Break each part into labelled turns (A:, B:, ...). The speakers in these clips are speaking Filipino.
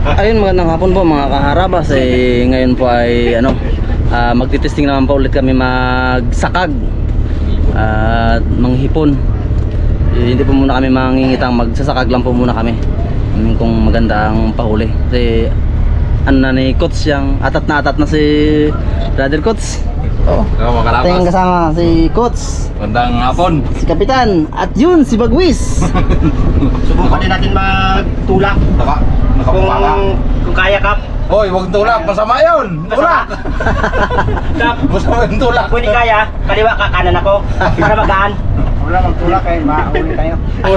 A: Ayun, magandang hapon po mga kaharabas. Ngayon po ay magtitesting naman po ulit kami magsakag at manghipon. Hindi po muna kami mangingitang, magsasakag lang po muna kami kung maganda ang pahuli. Kasi na ni Coach yang atat na si Brother Coach. Oh,
B: mga karabas.
A: tingin kasama si Coach,
B: Magandang hapon.
A: si Kapitan, at yun si Bagwis.
C: Subukan din natin magtulak.
B: Nakapapaka.
C: Kung kaya, Kap.
B: Hoy, huwag tulak. Masama yun. Tulak.
C: Kap,
B: Masama yung tulak.
C: kung hindi kaya, kaliwa ka, kanan ako. Para magaan.
D: Wala magtulak eh, mauli tayo.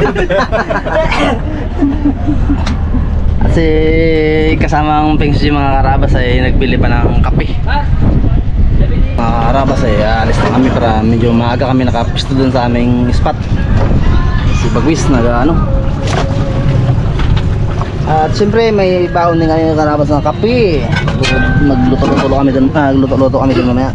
A: At si kasamang Pengsi mga karabas ay nagbili pa ng kape. Mga karabas ay alis na kami para medyo maaga kami nakapisto dun sa aming spot. Si Bagwis at siyempre may baon din kami karabas ng kape. Magluto-luto kami dun, luto-luto kami dun mamaya.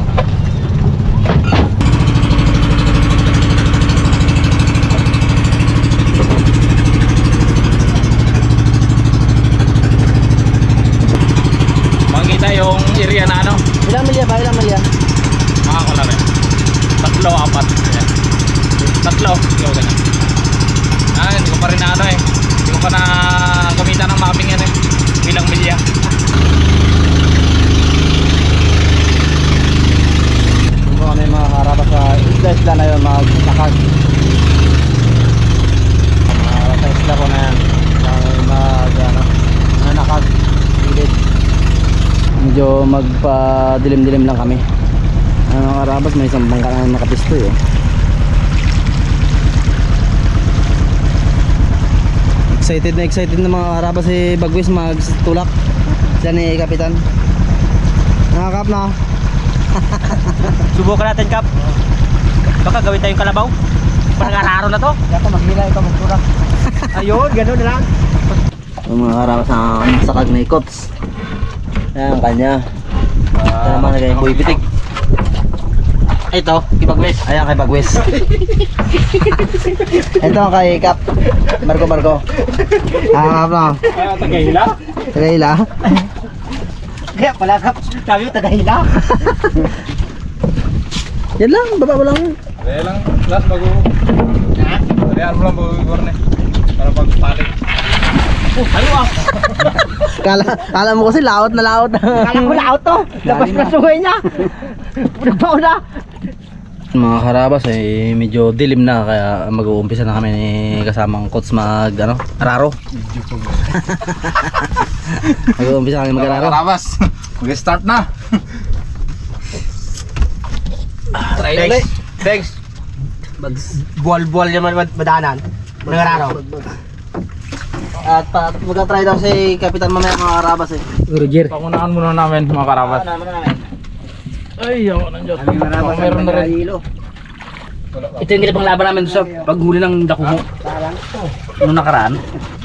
B: Makikita yung area na
A: Ilang milya ba? Ilang milya?
B: mga kulare. 3, 4. Ayan. 3. Ikaw ganun. Hindi ko pa rin Hindi ko pa na gamitan ng mapping yan Bilang milya.
A: Kung kami mga karabas sa isla na yun magsakag. Sa isla ko na yan. Nanakag. Medyo magpa-dilim-dilim lang kami. Mga karabas, may isang bangka na nakapisto eh. Excited na mga karabas si Bagwis magtulak. Siya ni Kapitan. Nakakap na.
C: Subukan natin, Kap. Baka gawin tayong kalabaw. Parang araro na to.
D: Dato maghila ikaw magtulak.
C: Ayun, gano'n na lang.
A: Yung mga karabas ang sakag na ikots. Ayan ang kanya. Ito naman nagay buhay pitik. Ito, kay Bagwis. Ayan kay Bagwis. Ito kay Kap. Marco. Kap na.
C: Tagahila?
A: Tagahila.
C: Kaya pala, Kap. Sabi mo, tagahila.
A: Yan lang, baba mo lang.
B: Kaya lang, last Kaya mo lang mag-warne. Para pagpalit.
A: Kala mo kasi laot na laot.
C: Kala ko laot to. Labas na sungay niya. Nagbaon na.
A: Mga karabas ay medyo dilim na kaya mag-uumpisa na kami ni kasamang Coach araro. Mag-uumpisa kami mag-araro.
B: Karabas. Mag-start na.
A: Try
C: ulit. Thanks. Buwal-buwal naman madanan. Nangararo.
A: At mag-try daw si Kapitan mamaya mga karabas eh.
C: Roger.
B: Pangunahan muna namin mga karabas. Ay, ako nang Diyos. Meron na rin.
A: Ito yung ginabang laban namin sa paghuli ng dakuho. Noong nakaraan.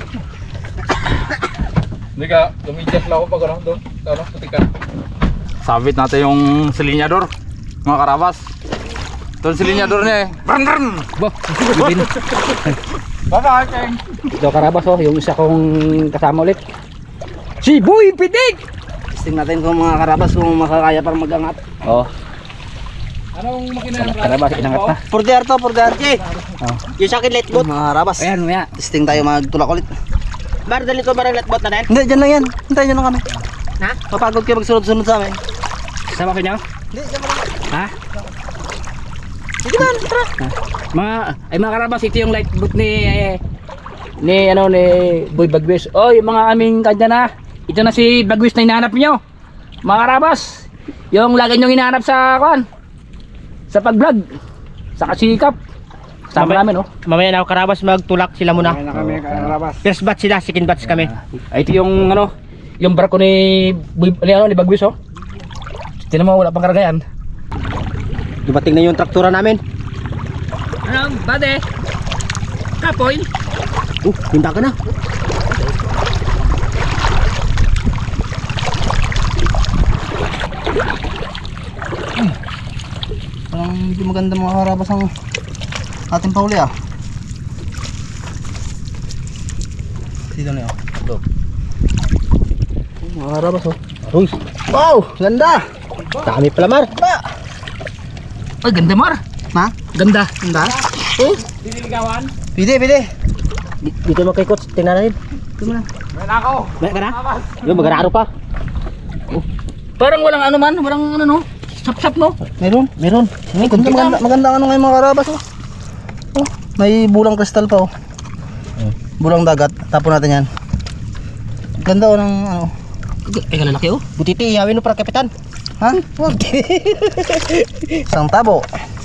B: Hindi ka, lumidyas lang ako pag doon. Putika. Sabit natin yung silinyador, mga karabas. Ito yung silinyador niya eh. Brrrr!
A: Bibin.
B: Bye-bye, Keng!
D: Ito karabas yung isa kong kasama ulit. Si Boy Pitik!
A: Testing natin kung mga karabas kung makakaya para mag-angat.
D: Oh,
B: Anong makina yung
D: karabas inangat na.
A: Purder to, Purder.
C: Yung sa akin letbot.
A: Mga karabas.
D: Ayan, maya.
A: Testing tayo magtulak ulit.
C: Bar, dali ko barang letbot na din.
A: Hindi, dyan lang yan. Hintayin nyo lang kami.
C: Ha?
A: Mapagod kayo magsunod-sunod sa amin.
D: Sama ko niya?
A: Hindi, dyan lang.
D: Ha?
A: Sige man, tara.
D: Mga karabas, ito yung light boot ni Boy Bagwis. Oy, mga aming kanya na. Ito na si Bagwis na hinahanap niyo. Mga karabas, yung lagi nyo hinahanap sa sa pag-vlog, sa kasikap. Sama namin, oh.
C: Mamaya na ako karabas magtulak sila muna.
D: na kami karabas.
C: First batch sila, second batch kami.
D: Ito yung yung barko ni Bagwis, oh. Tingnan mo, wala pang karagayan.
C: Dumating na yung traktura namin.
D: Ano, bade? Kapoy?
C: Pinta ka na.
A: Parang hindi maganda mga karabas ang ating pauli ah. Dito na yun. mga karabas oh. Uy. Wow, ganda.
C: Dami pala, Mar.
D: Ay, ganda Mar.
A: Ha?
D: Ganda.
A: Ganda? Eh?
B: Dililigawan.
A: Pwede.
C: Dito mo kay Coach, tingnan natin.
A: Ito mo na.
B: Meron ako.
C: May ka na? Yung mag-araro pa.
D: Parang walang ano man, walang ano no. Sap-sap no.
A: Meron. Ay, maganda ano ngayon mga karabas oh. Oh, may bulang kristal pa oh. Bulang dagat. Tapon natin yan. Ganda oh ng ano.
D: Ay, kalalaki oh.
C: Butiti, ihawin mo para kapitan.
A: Ha? Wag. Isang tabo.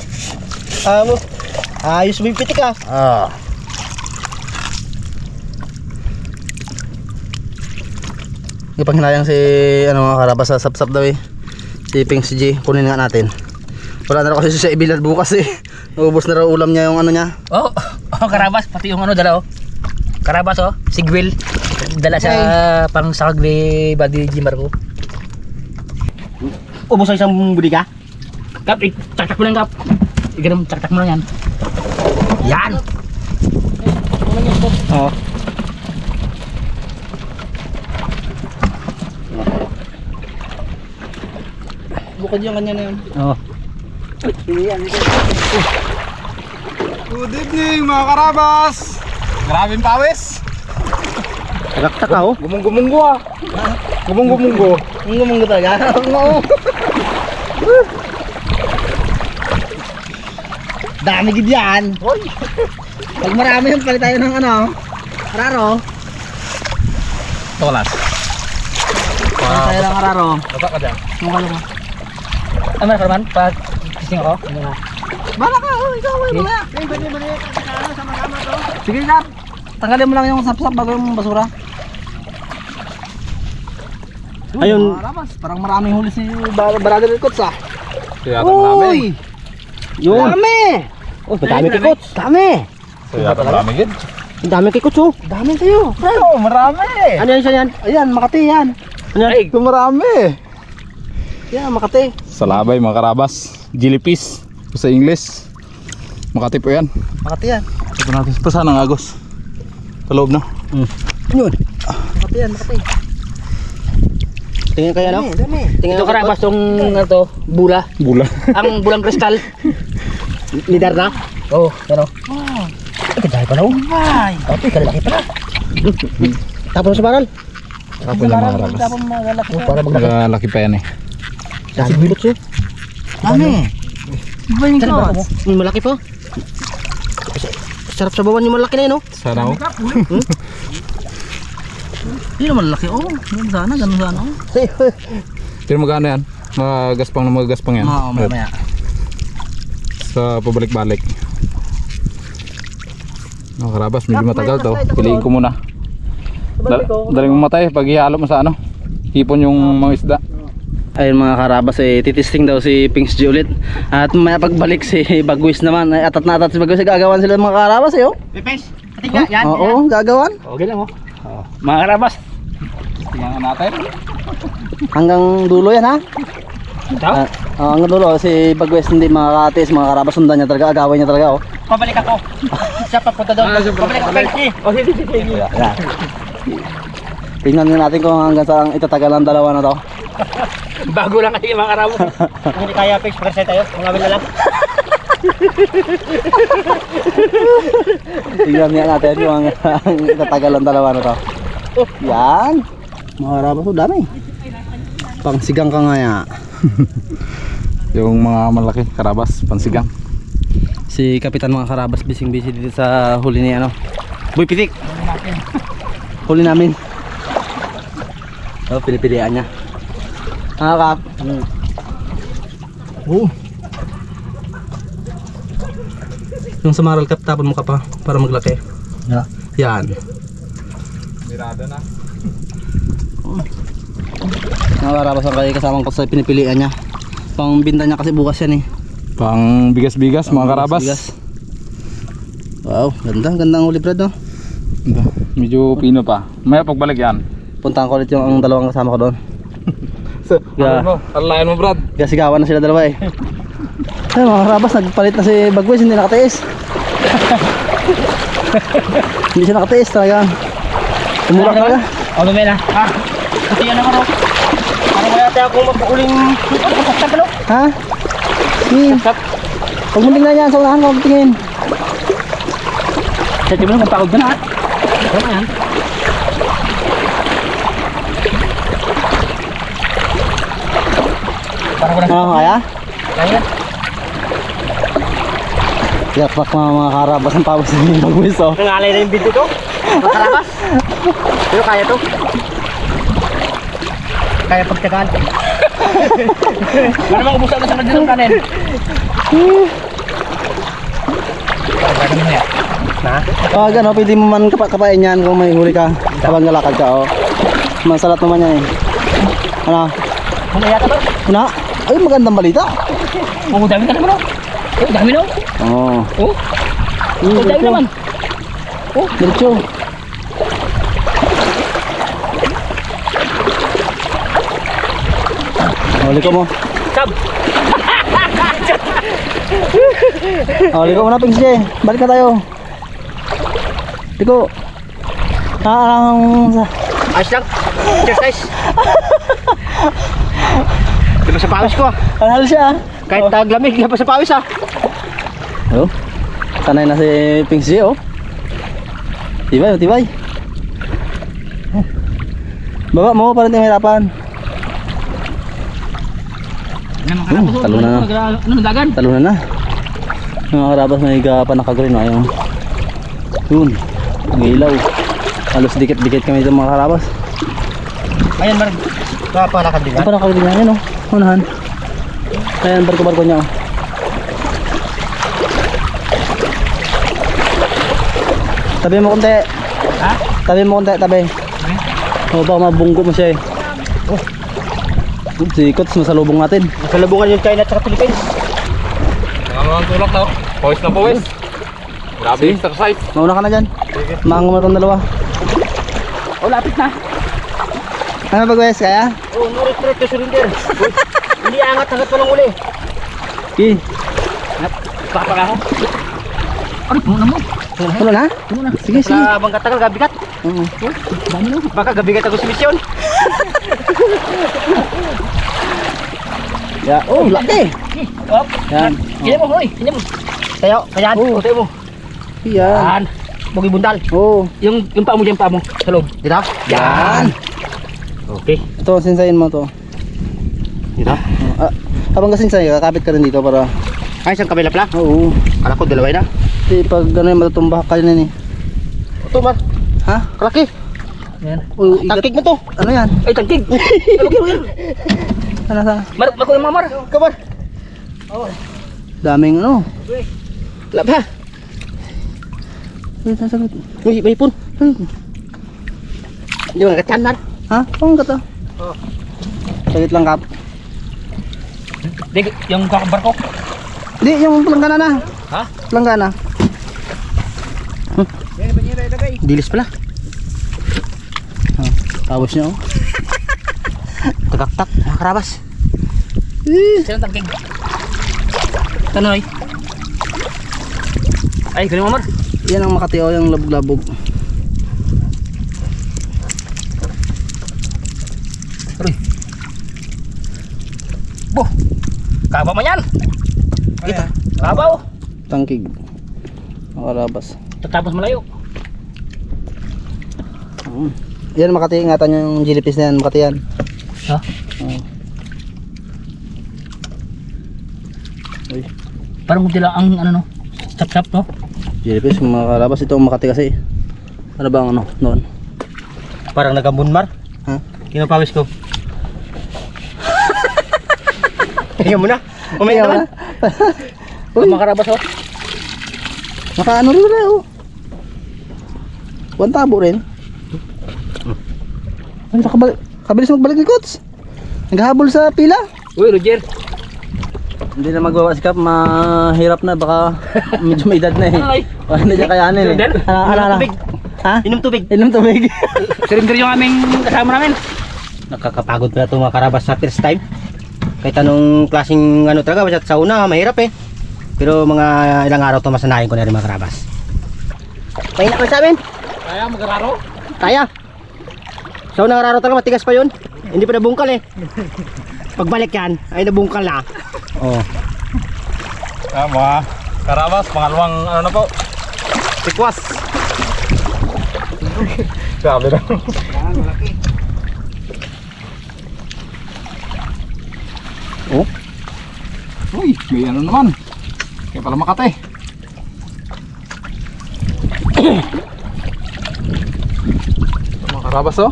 C: Ayos mo yung pitik ah.
A: Ah. Ipanghinayang si ano mga karabas sa sapsap daw eh. Si Pings G, kunin nga natin. Wala na raw kasi siya ibilad bukas eh. Naubos na raw ulam niya yung ano niya.
D: Oh, karabas pati yung ano dala oh. Karabas oh, sigwil. Dala sa pang sakag ni Buddy G Marco.
C: Ubos ang isang budi ka?
D: Kap, taktak mo lang kap. Ganun, taktak mo lang yan. Yan.
A: Oo. Bukod yung kanya na yun.
D: Oh.
B: Good evening mga karabas. Grabing pawis.
C: Tagaktak ka oh.
B: Gumunggo ah. Gumunggo.
A: Ang gumunggo talaga. Oo. Dami gid yan. Hoy. Pag marami yun, palit tayo ng ano. Araro.
B: Tolas.
A: Palit tayo ng araro.
B: Bata ka dyan.
A: Mukha mo.
D: Ay, man, Karman, pag kising ako. Ano nga?
A: Bala ka, oh, ikaw ay mga. Sige kap. Tanggalin mo lang yung sapsap bago yung basura.
C: Ayun.
A: Marabas, parang maraming huli si Brother Coach ah.
B: Kaya marami.
A: Uy!
C: Yun.
A: Dami!
C: Oh, madami kay Coach.
A: Dami!
B: Kaya marami gid.
C: Ang dami kay Coach oh.
A: Dami sa'yo.
B: Oo, marami.
C: Ano yan siya yan?
A: Ayan, Makati yan.
C: Ano yan?
D: Ay,
B: Marami.
A: Yan, Makati.
B: Salabay mga karabas. Jellyfish. Sa English. Makati po yan.
A: Makati yan.
B: Ito natin. Pa saan ang agos? Sa loob na.
C: Yun.
A: Makati yan, Makati.
C: Tingnan kaya no?
A: Dami.
C: Tingnan
D: ito
C: kay
D: karabas
C: Coach.
D: tong ano to, bula.
B: Bula.
D: Ang bulang kristal.
C: Lidar na?
D: Oh, ano?
C: Ay, kadali pa na oh.
A: Ay!
C: Ay, kalaki pala. Tapos sa baral.
B: Tapos yung mga karabas.
A: Tapos magalaki.
C: Oh, para maglaki.
B: Nagalaki pa yan eh.
C: Dami bilot siya.
A: Dami. Iba yung
C: Saan ba?
A: Coach.
C: Yung malaki pa. Sarap sa bawan yung malaki na yun oh.
B: Sana oh.
A: Hindi naman laki. Oh, ganun sana, ganun sana. Oh.
B: Pero magkano yan? Magaspang yan.
A: Oo, mamaya.
B: Sa pabalik-balik. Mga karabas, medyo matagal to. Piliin ko muna. Daling mamatay pag ihalo mo sa ano. Hipon yung mga isda.
A: Ayun mga karabas, titisting daw si Pings G ulit. At may pagbalik si Bagwis naman. Ay, atat na atat si Bagwis. Gagawan sila mga karabas eh. Oh.
C: Pepes, ating nga, yan.
A: Oo, gagawan.
D: Okay lang oh. Mga karabas.
B: Tingnan natin.
A: Hanggang dulo yan ha.
D: Ito?
A: Hanggang dulo. Si Bagwis hindi makakatis. Mga karabas sundan niya talaga. Agawin niya talaga. Oh.
C: Pabalik ako. Siya papunta doon. Pabalik ako.
D: Oh, sige, sige.
A: Yan. Tingnan nga natin kung hanggang saan itatagal ang dalawa na to.
D: Bago lang kasi mga karabas.
C: Kung hindi kaya, Pex, pagkasay tayo. Mangawin na lang.
A: Tingnan nga natin kung hanggang itatagal ang dalawa na to. Yan. Mga karabas oh, dami. Pangsigang ka nga yan.
B: Yung mga malaki karabas, pansigang.
A: Si Kapitan mga karabas bising busy dito sa huli ni ano. Boy Pitik. Huli namin. Oh, pinipilian niya. Kap. Oh. Yung samaral kap tapon mo ka pa para maglaki.
C: Yeah.
A: Yan.
B: Mirada na.
A: Mga karabas ang kaya kasamang ko sa pinipilian niya. Pangbinta niya kasi bukas yan eh.
B: Pang bigas-bigas mga karabas.
A: Bigas. Wow, ganda. Ganda ang huli Brad no?
B: Ito, medyo pino pa. Maya pagbalik yan.
A: Puntahan ko ulit yung ang dalawang kasama ko doon. Yeah.
B: Alayan mo Brad.
A: Gasigawan na sila dalawa eh. Ay mga karabas, nagpalit na si Bagwis, hindi nakatiis. Hindi siya nakatiis talaga. Tumulak talaga.
D: Oh, lumay na.
C: Kasi yan naman, oh. Ano kaya tayo kung mapukuling sasap, ano?
A: Ha? Sige. Huwag mo tingnan yan, sa unahan ko tingin.
D: Sa tibo na kung pagod ka na, ha? Ano yan? Parang ko na.
A: Ano kaya?
D: Kaya?
A: Yakpak mga karabas ang pawis ng bagwis oh.
C: Nangalay na yung video to. Makarabas. Pero kaya to. Kaya pagtagal.
D: Ano mga ubusan na sa ng kanin? Gagawin mo yan.
C: Na?
A: Pag ano, pwede mo man kapain yan kung may huli ka. Habang galakad ka oh. Masalat naman yan eh. Ano?
D: Ano yata ba?
A: Una? Ay, magandang balita.
D: Oo, dami ka naman, oh. Oh, dami na, oh.
A: Oo.
D: Oh, oh, dami naman.
A: Oh, diretso. Huli ko mo.
D: Sab.
A: Huli ko muna, Pings J. Balik na tayo. Liko.
C: Ayos lang. Exercise. Di ba sa pawis ko ah.
A: Halal siya.
C: Kahit taglamig, di ba sa pawis ah.
A: Oh. Sanay na si Pings J oh. Tibay, tibay. Baba mo, parang hindi mahirapan. Talo na na.
D: Ano, dagan?
A: Talunan na. Mga karabas may pa nakagrin na yung yun. Ang ilaw. Halos dikit-dikit kami dito mga karabas.
C: Ayan, Marg. Kapalakad din
A: Ang pa nakagrin na yan oh. Unahan. Ayan, barko-barko niya oh. Tabi mo konti.
D: Ha?
A: Tabi mo konti, tabi. O baka mabunggo mo siya eh.
C: Oh.
A: Sikot, masalubong natin.
C: Masalubungan yung China at saka Philippines.
B: Ang tulak na. Pawis na pawis. Grabe yung exercise.
A: Mauna ka na dyan. Mahango mo itong dalawa.
D: Oh, lapit na.
A: Ano ba guys, kaya?
C: Oh, no retreat to surrender. Uy, hindi angat hanggat walang uli.
A: Okay.
D: Baka ako. Ano, puno na mo.
A: Puno na?
D: Puno na.
A: Sige, sige.
C: Sa bang katagal, gabigat.
A: Oo.
D: Dami na.
C: Baka gabigat ako sa misyon.
A: Yeah. Oh, laki.
D: Up.
A: Yan.
D: Kaya mo, hoy. Kaya mo.
C: Tayo, kayaan.
A: Oh.
C: Tayo mo.
A: Yan.
C: Yan. Bugi bundal.
A: Oh.
D: Yung paa mo dyan, paa mo. Sa loob.
C: Dito.
A: Yan.
C: Okay.
A: Ito, sinsayin mo to.
C: Dito.
A: Habang kasinsay, kakapit ka rin dito para...
C: Ay, isang kabila pala.
A: Oo.
C: Kala ko dalaway na.
A: Kasi pag gano'n matutumbak ka rin eh.
C: Ito, Mar.
A: Ha?
C: Kalaki.
D: Yan.
A: Oh, igat.
C: Tangkig mo to.
A: Ano yan?
D: Ay, tangkig. Ano yan?
A: Ano sa?
D: Marko yung mamar.
C: Kamar.
A: Daming ano.
C: Wala ba?
A: Ay, sasagot.
C: Uy, may ipon.
A: Ay.
C: Hindi mo nagkatyan, Mar.
A: Ha? Pang ka to?
C: Oo.
A: Sagit lang kap.
D: Di, yung kakabar ko.
A: Di, yung planggana na.
D: Ha?
A: Planggana.
C: Dilis pala.
A: Tapos niya oh.
C: Tagaktak, mga karabas.
D: Sino tangkig? Tanoy. Ay, ganun mamar.
A: Yan ang Makati oh, yung labog-labog.
D: Aroy. Boh. Kaba mo yan.
C: Kita.
D: Kabaw.
A: Tangkig. Makarabas.
D: Tatapos malayo.
A: Yan Makati, ingatan yung jilipis na yan, Makati yan.
D: Ha?
A: Oo. Uy,
D: Parang kunti lang ang ano no. Chap-chap no.
A: jilipis, makarabas ito ang Makati kasi. Ano ba ang ano, noon?
C: Parang nagambun, Mar.
A: Ha?
C: Kinapawis ko. Tingnan mo na. Umaya naman.
A: Uy,
D: Makarabas oh.
A: naka ano rin na oh. One tabo rin. Ay, kabilis magbalik ni Kots. Naghahabol sa pila.
D: Uy, Roger.
A: Hindi na magawa si Kap, mahirap na, baka medyo may edad na eh.
D: Ay.
A: Wala na siya kayanin eh.
D: Edad?
A: Ala.
C: Tubig.
A: Ha?
C: Inom tubig.
A: Inom tubig.
D: Surrender yung aming kasama namin.
C: Nakakapagod pala itong mga karabas sa first time. Kahit anong klaseng ano talaga, basta sa una, mahirap eh. Pero mga ilang araw ito masanayin ko na rin mga karabas. Mahina ka sa amin?
D: Kaya magararo.
C: Kaya. Sa unang araw talaga matigas pa yun. Hindi pa nabungkal eh. Pagbalik yan, ay nabungkal na. Oh.
B: Mga karabas, pangalawang ano na po. Tikwas. Grabe na. Oh. Uy, may ano naman. Kaya pala Makate. Mga karabas oh.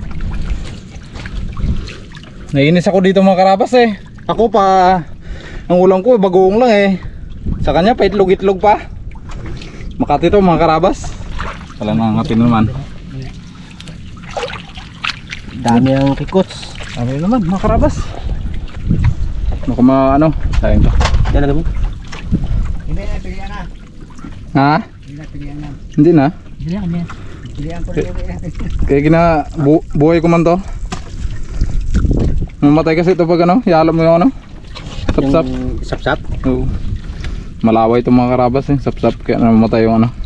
B: Naiinis ako dito mga karabas eh. Ako pa, ang ulam ko bagoong lang eh. Sa kanya pa itlog-itlog pa. Makati to mga karabas. Wala nangangatin naman.
C: Dami ang kikots.
B: Dami naman mga karabas. Naku ano, sayang to.
C: Yan na gawin.
B: Ha? Hindi na. Kaya buhay ko man to. Mamatay kasi ito pag ano, ialam mo yung ano. Sapsap.
C: Yung sapsap.
B: Oo. Malaway itong mga karabas eh. Sapsap kaya namamatay yung ano.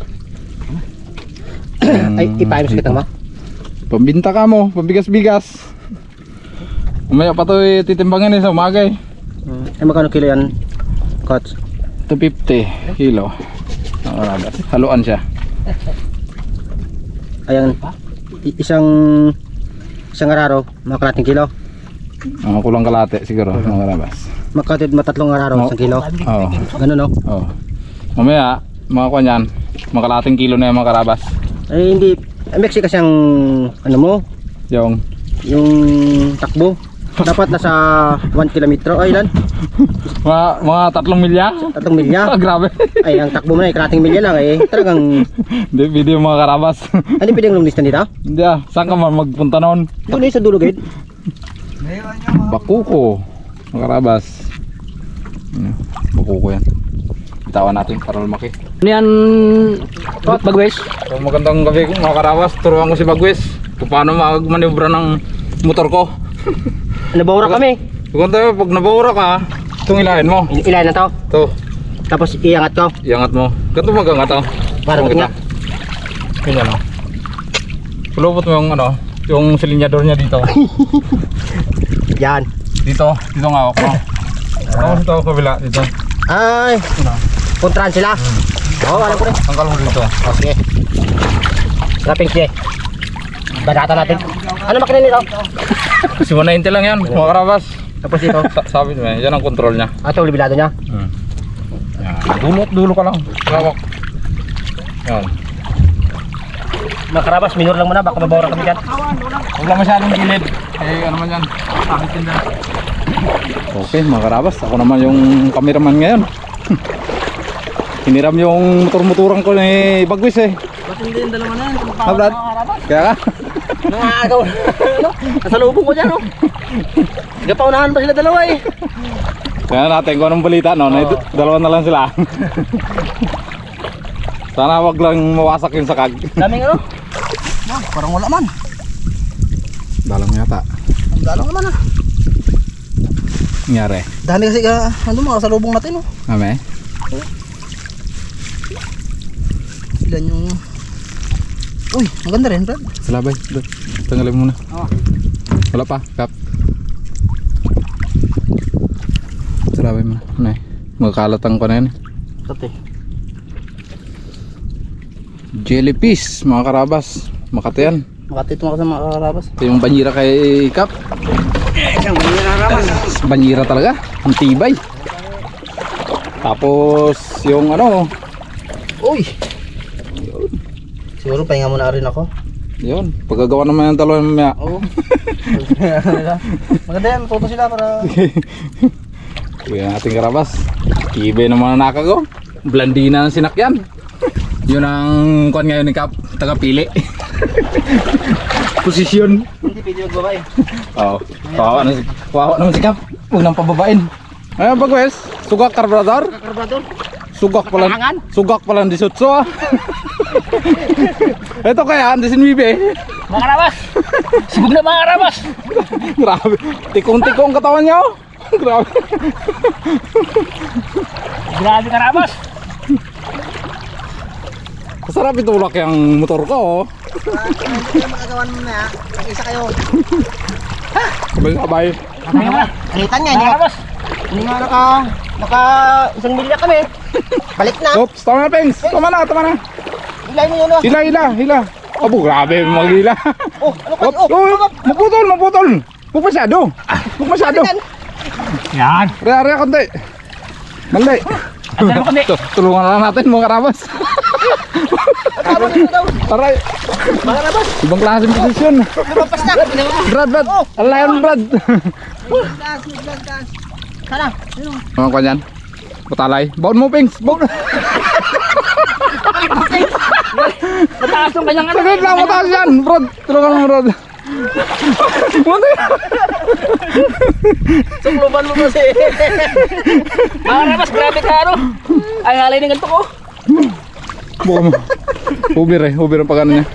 C: Ay, ipayos kita mo.
B: Pambinta ka mo, pambigas-bigas. Umaya pa ito titimbangin eh sa umaga eh.
C: Ay, magkano kilo yan, Coach?
B: 250 kilo. Ang karabas. Haluan siya.
C: Ayan, isang araw, mga kalating kilo.
B: Kulang kalate siguro mga karabas.
C: Makatid matatlong araw, isang kilo.
B: Oo.
C: Ganun no?
B: Oo. Mamaya, mga kanyan, mga kalating kilo na yung mga karabas.
C: Ay, hindi. Mexico kasi ang, ano mo,
B: Yung
C: yung takbo. Dapat nasa 1 kilometro. Ay, ilan?
B: mga 3 milya.
C: 3 milya.
B: Grabe.
C: Ay, ang takbo mo na, kalating milya lang eh. Talagang,
B: Hindi, video mga karabas.
C: ano pwedeng lumlistan dito?
B: Hindi saan ka man magpunta noon?
C: Doon eh, sa dulo gate.
B: Bakuko. Mga karabas. Bakuko yan. Bitawan natin para lumaki.
D: Ano yan, Bagwes?
B: So, magandang gabi mga karabas. Turuan ko si Bagwes kung paano magmanibra ng motor ko.
C: Nabawra kami.
B: Kung tayo, pag nabawra ka, itong ilahin mo.
C: Ilan na to?
B: Ito,
C: Tapos iangat ko.
B: iangat mo. Ganito magangat oh.
C: Para
B: Kita.
C: maganda.
B: Ganyan oh. Pulupot mo yung ano, yung silinyador niya dito.
C: Yan.
B: Dito nga ako. Tapos ito kabila, dito.
C: Ay, kontrahan sila. Oo, alam ko rin.
B: Tanggal mo dito.
C: O, sige. Wrapping siya. Badata natin. Ano makina nito?
B: Kasi 190 lang yan, mga karabas.
C: Tapos ito.
B: Sabi mo yan ang control niya.
C: Ito, libilado niya.
B: Yan. Dulo ka lang. Lawak. Yan.
C: Mga karabas, minor lang muna. Baka mabawra kami dyan.
B: Huwag lang masyadong gilid. Eh, ano man yan. Sakit din dyan. Okay, mga karabas. Ako naman yung cameraman ngayon. Hiniram yung motor-motoran ko ni Bagwis eh.
A: Ba't hindi yung dalawa na yan?
B: Ha, Brad? Kaya ka?
A: Nangagaw. Nasa lubong ko dyan, oh. Gapaunahan pa sila dalawa eh.
B: Kaya natin kung anong balita, no? Dalawa na lang sila. Sana wag lang mawasak yung sakag.
A: Daming ano? Parang wala man.
B: Dalang yata.
A: Ang dalang naman ah.
B: Nangyari.
A: Dami kasi ano mga sa lubong natin, oh.
B: Ame?
A: Ilan yung... Uy, maganda rin, Brad.
B: Salabay. Tanggalin muna.
A: Oh.
B: Wala pa, Kap. Salabay muna. Ano eh? Magkalatang ko na yan eh.
A: Sate.
B: Jellyfish, mga karabas. Makati yan.
A: Makati ito sa mga karabas.
B: Ito yung banyira kay Kap.
A: Isang banyira naman.
B: Banyira talaga. Ang tibay. Tapos yung ano.
A: Uy! Siguro pahinga muna rin ako.
B: Yun. Pagkagawa naman yung dalawa mamaya.
A: Oo. Maganda yan, photo sila para...
B: Kuya natin karabas. Tibay ng mga nakago. Blandina ng sinakyan. Yun ang kuwan ngayon ni Kap. Tagapili. Posisyon.
A: Hindi pwede magbabae.
B: Oo. Kawawa naman si Kap. Huwag nang pababain. Ayun Bagwes. Sugak karbrador.
A: Karbador.
B: Sugak pala.
A: Kalangan.
B: Sugak pala di sutso ah. Ito kaya ang disinwibe.
D: Mga karabas! Sibog na mga karabas!
B: Grabe. Tikong-tikong katawan niya oh. Grabe.
D: Grabe karabas!
B: Masarap itulak yung motor ko oh.
A: Hindi magagawan mo na.
C: Isa kayo.
B: Sabay-sabay.
C: Kalitan niya, hindi nga. Hindi nga naka isang milya kami. Balik na.
B: Oops, tama na, Pengs. Tama na.
C: Ilay mo yun, oh.
B: Hila. Abo, grabe, maghila.
C: Oh, ano kayo?
B: Oops, maputol. Huwag masyado.
D: Yan.
B: Raya, konti. Mali.
D: Andan mo kami.
B: Tulungan na lang natin mga karabas.
C: Tama dito daw.
B: Taray.
C: Mga karabas.
B: Ibang klaseng posisyon.
C: Lumampas na.
B: Brad. Alayon, Brad.
C: Taas. Sana.
B: Mga kanyan. Putalay. Baon mo, Pengs. Baon.
D: Mataas yung kanyang ano.
B: Saglit lang, mataas yan. Brad, tulungan mo, Brad.
C: Sukluban mo kasi.
D: Mga karabas, grabe ka ano. Ay, halay ng ganito ko.
B: Buka mo. Ubir ang pagano niya.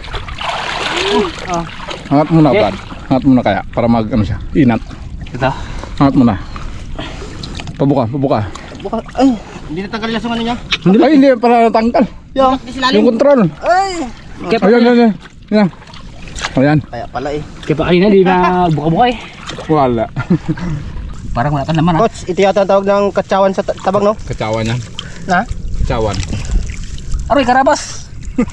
B: Angat muna,
D: Okay.
B: Brad. Angat muna kaya, para mag, ano siya, inat.
D: Ito.
B: Angat muna. Pabuka.
C: Buka. Ay, hindi natanggal yung ano niya.
B: Ay, hindi pala natanggal.
C: Yung silalim.
B: Yung control.
C: Ay.
D: Kaya pa,
B: Yan. Ayan.
C: Kaya pala eh.
D: kaya pa kanina di na buka-buka eh.
B: Wala.
D: Parang wala ka naman ah.
C: Coach, ito yata ang tawag ng katsawan sa tabang, no?
B: Kacawan yan.
C: Ha?
B: Kacawan.
D: Aroy, karabas.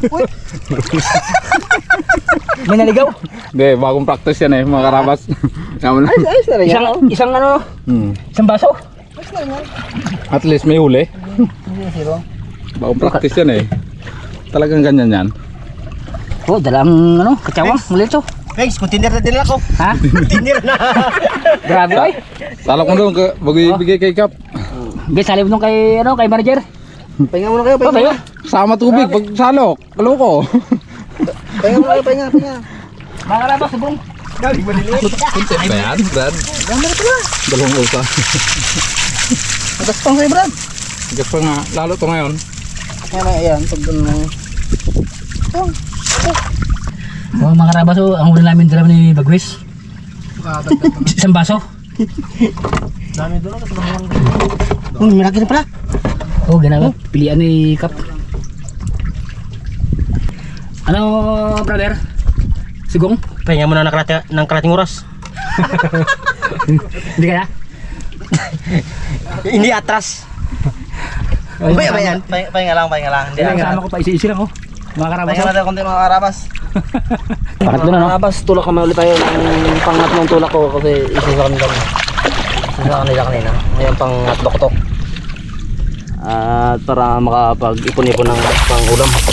D: May naligaw.
B: Hindi, bagong practice yan eh, mga karabas. Yaman lang.
C: Ayos na rin yan.
D: Isang ano, isang baso.
B: At least may huli. Bagong practice yan eh. Talagang ganyan yan.
D: Oh, dalang ano, katsawang, muli ito.
C: Guys, container na din ako.
D: Ha?
C: Container na.
D: Grabe oy.
B: Talok mo doon, bago ibigay kay Kap.
D: Guys, salib nung kay ano, kay manager.
C: Pahinga muna kayo,
D: Oh,
C: pahinga.
D: tayo.
B: Sama tubig, pag salok. Kaloko.
C: Pahinga muna kayo, pahinga.
D: Mga karabas, subong.
B: Kunti ba yan, Brad? Dalawang usa.
C: Nagaspang sa'yo, Brad.
B: Hanggang pa nga, lalo to ngayon.
C: Ayan, pag doon.
D: Oh, mga karabas, oh, ang huli namin dala ni Bagwis. Isang baso.
C: Dami doon, kasi malaki na pala.
D: Oh, ganun. Pilihan ni Kap. Ano, brother? Sigong?
C: Pahinga muna ng kalating oras.
D: Hindi kaya?
C: Hindi atras. Ba yan? Pahinga lang. Hindi
D: Ang kasama ko pa isi-isi lang, oh. Mga karabas,
C: Pahinga natin konti mga karabas.
D: Pangatlo na, no?
A: Karabas, tulak kami ulit tayo ng pangatlong tulak ko kasi isa sa kanila. Kanina. Ngayon pangatlo ko to. At para makapag-ipon-ipon ng pang-ulam.